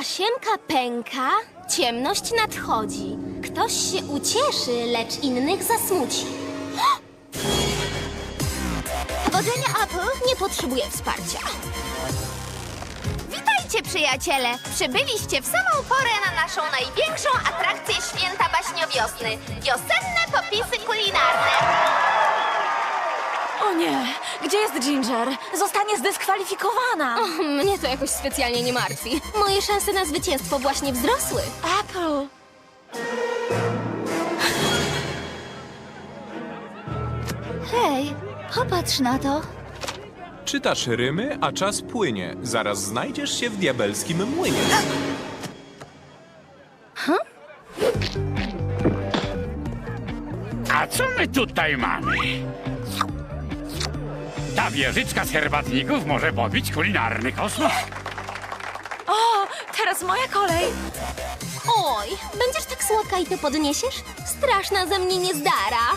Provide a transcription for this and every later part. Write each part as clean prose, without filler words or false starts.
Tasiemka pęka, ciemność nadchodzi. Ktoś się ucieszy, lecz innych zasmuci. Powodzenia, Apple nie potrzebuje wsparcia. Witajcie, przyjaciele! Przybyliście w samą porę na naszą największą atrakcję święta baśniowiosny. Wiosenne popisy kulinarne. O nie! Gdzie jest Ginger? Zostanie zdyskwalifikowana! Mnie to jakoś specjalnie nie martwi. Moje szanse na zwycięstwo właśnie wzrosły. Apple! Hej, popatrz na to. Czytasz rymy, a czas płynie. Zaraz znajdziesz się w diabelskim młynie. A co my tutaj mamy? Ta wieżyczka z herbatników może pobić kulinarny kosmos. O, teraz moja kolej! Oj, będziesz tak słodka i to podniesiesz? Straszna ze mnie niezdara.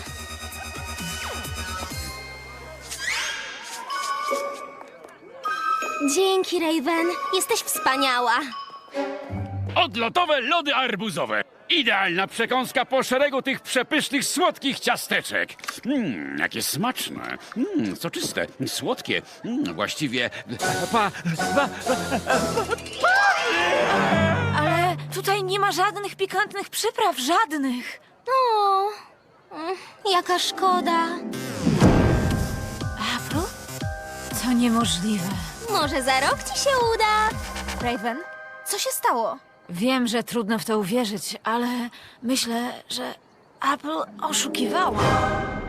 Dzięki, Raven. Jesteś wspaniała. Odlotowe lody arbuzowe. Idealna przekąska po szeregu tych przepysznych, słodkich ciasteczek. Jakie smaczne. Soczyste, słodkie. Właściwie... Ale tutaj nie ma żadnych pikantnych przypraw, żadnych! O, jaka szkoda. Apple? To niemożliwe. Może za rok ci się uda. Raven, co się stało? Wiem, że trudno w to uwierzyć, ale myślę, że Apple oszukiwała.